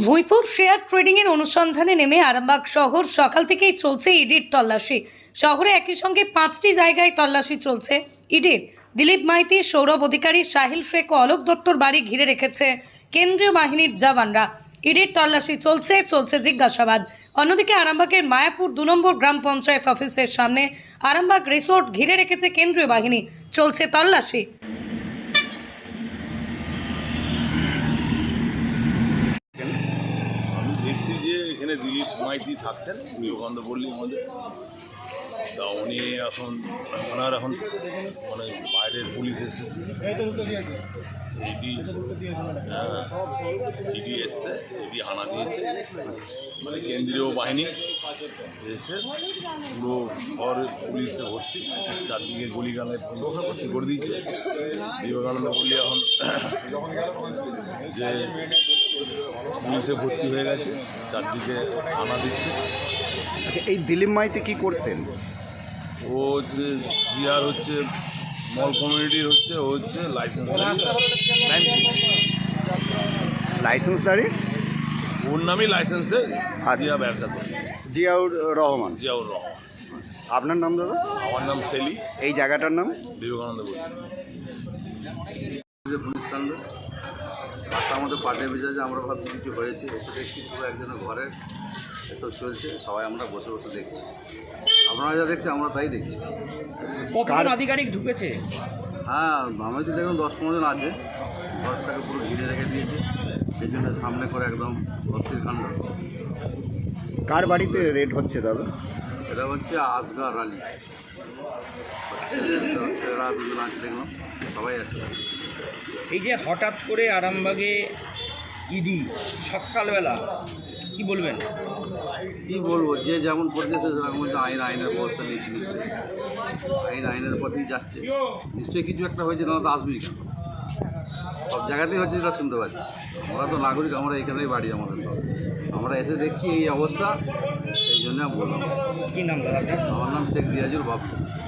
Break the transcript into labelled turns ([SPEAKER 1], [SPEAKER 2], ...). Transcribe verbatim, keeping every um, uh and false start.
[SPEAKER 1] ভুঁইপুর share trading এর অনুসন্ধানে নেমে আরামবাগ শহর সকাল থেকেই চলছে ইডির তল্লাশি। শহরে একই সঙ্গে পাঁচটি জায়গায় তল্লাশি চলছে ইডির। দিলীপ মাইতি, সৌরভ অধিকারী, সাহিল শেখ ও অলোক দত্তর বাড়ি ঘিরে রেখেছে কেন্দ্রীয় বাহিনীর জওয়ানরা। ইডির তল্লাশি চলছে চলছে জিজ্ঞাসাবাদ। অন্যদিকে আরামবাগের মায়াপুর দু নম্বর গ্রাম পঞ্চায়েত অফিসের সামনে আরামবাগ রিসোর্ট ঘিরে রেখেছে কেন্দ্রীয় বাহিনী, চলছে তল্লাশি।
[SPEAKER 2] আমি দেখছি যে এখানে দিলীপ মাইতি থাকতেন বিবেকানন্দ পল্লী আমাদের, তা উনি এখন ওনার এখন মানে বাইরের পুলিশ এসেছে, ইডি ইডি এসছে, ইডি হানা দিয়েছে, মানে কেন্দ্রীয় বাহিনী এসে পুরো ঘর পুলিশে ভর্তি, চারদিকে গলিগালে ভর্তি করে দিয়েছে। বিবেকানন্দ পল্লী এখন যে পুলিশে ভর্তি হয়ে গেছে, চারদিকে হানা দিচ্ছে।
[SPEAKER 3] আচ্ছা, এই দিলীপ মাইতি কি করতেন?
[SPEAKER 2] ও হচ্ছে বিহার হচ্ছে মল কমিউনিটির হচ্ছে ও হচ্ছে লাইসেন্স
[SPEAKER 3] লাইসেন্সদারি,
[SPEAKER 2] ওর নামই লাইসেন্সে
[SPEAKER 3] আচ্ছা।
[SPEAKER 2] জিয়া ব্যবসা করে,
[SPEAKER 3] জিয়াউর রহমান।
[SPEAKER 2] জিয়াউর রহমান।
[SPEAKER 3] আপনার নাম দাদা?
[SPEAKER 2] আমার নাম সেলি।
[SPEAKER 3] এই জায়গাটার নাম
[SPEAKER 2] বিবেকানন্দ বলি।
[SPEAKER 4] পুলিশ কাণ্ড রাস্তার মধ্যে পার্টির মেজাজে আমরা ভাবছি কিছু হয়েছে, এসে দেখছি পুরো একজনের ঘরে এসব চলছে, সবাই আমরা বসে বসে দেখছি। আপনারা যা দেখছি আমরা তাই দেখছি।
[SPEAKER 5] কতজন আধিকারিক ঢুকেছে?
[SPEAKER 4] হ্যাঁ, আমি তো দেখুন দশ পনেরো জন আছে, ঘরটাকে পুরো ঘিরে রেখে দিয়েছে, সেই জন্য সামনে করে একদম অস্থির কাণ্ড।
[SPEAKER 3] কার বাড়িতে রেড হচ্ছে দাদা?
[SPEAKER 4] এটা হচ্ছে আসগার আলী, ছেলেরা দুজন আছে, দেখলাম সবাই আছে।
[SPEAKER 5] এই যে হঠাৎ করে আরামবাগে ইডি সকালবেলা, কি বলবেন?
[SPEAKER 4] কী বলবো, যে যেমন পড়তেছে সেরকম হচ্ছে আইন আইনের ব্যবস্থা নিয়েছে, নিশ্চয়ই আইন আইনের পথেই যাচ্ছে। নিশ্চয়ই কিছু একটা হয়েছে, না তো আসবেই কেন? সব জায়গাতেই হচ্ছে, যেটা শুনতে পাচ্ছি। আমরা তো নাগরিক, আমরা এখানেই বাড়ি আমাদের সব, আমরা এসে দেখছি এই অবস্থা, সেই জন্য বললাম।
[SPEAKER 5] কি নাম দাদা?
[SPEAKER 4] আমার নাম শেখ রিয়াজুল বাবু।